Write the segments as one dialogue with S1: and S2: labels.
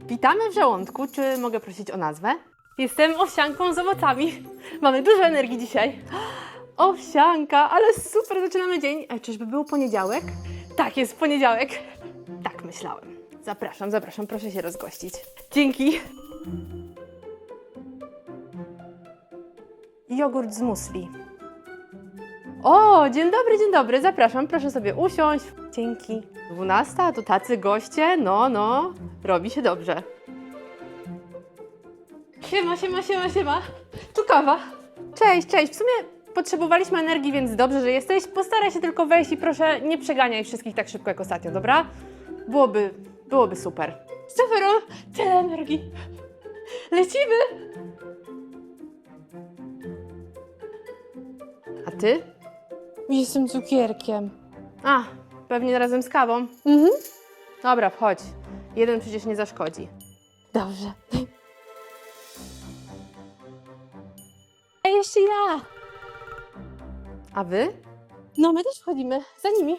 S1: Witamy w żołądku. Czy mogę prosić o nazwę? Jestem owsianką z owocami. Mamy dużo energii dzisiaj. Owsianka, ale super, zaczynamy dzień. Czyżby był poniedziałek? Tak, jest poniedziałek. Tak myślałem. Zapraszam, zapraszam, proszę się rozgościć. Dzięki. Jogurt z musli. O, dzień dobry, zapraszam, proszę sobie usiąść. Dzięki. 12, a tu tacy goście, no, robi się dobrze. Siema. Tu kawa. Cześć. W sumie potrzebowaliśmy energii, więc dobrze, że jesteś. Postaraj się tylko wejść i proszę nie przeganiaj wszystkich tak szybko jak ostatnio, dobra? Byłoby super. Super, tyle energii. Lecimy. A ty?
S2: Jestem cukierkiem.
S1: A, pewnie razem z kawą. Dobra, wchodź. Jeden przecież nie zaszkodzi.
S2: Dobrze. A jeszcze ja.
S1: A wy?
S2: No, my też wchodzimy. Za nimi.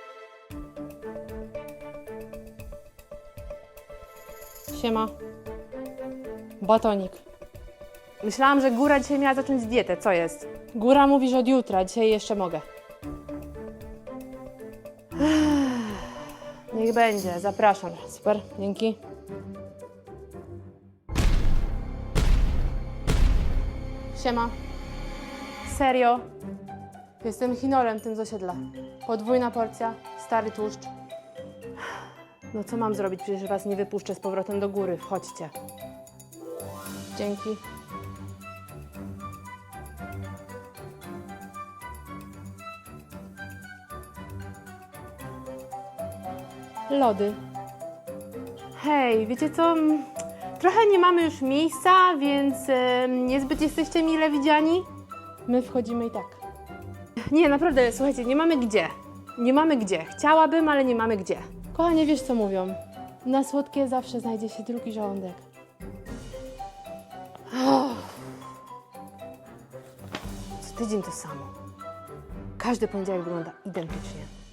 S1: Siema. Batonik. Myślałam, że Góra dzisiaj miała zacząć dietę. Co jest?
S2: Góra mówi, że od jutra. Dzisiaj jeszcze mogę.
S1: Niech będzie, zapraszam.
S2: Super, dzięki.
S1: Siema. Serio? Jestem chinolem tym z osiedla. Podwójna porcja, stary tłuszcz. No co mam zrobić? Przecież was nie wypuszczę z powrotem do góry. Wchodźcie. Dzięki. Lody. Hej, wiecie co? Trochę nie mamy już miejsca, więc niezbyt jesteście mile widziani. My wchodzimy i tak. Nie, naprawdę, słuchajcie, nie mamy gdzie. Nie mamy gdzie. Chciałabym, ale nie mamy gdzie.
S2: Kochanie, wiesz co mówią? Na słodkie zawsze znajdzie się drugi żołądek.
S1: Co tydzień to samo. Każdy poniedziałek wygląda identycznie.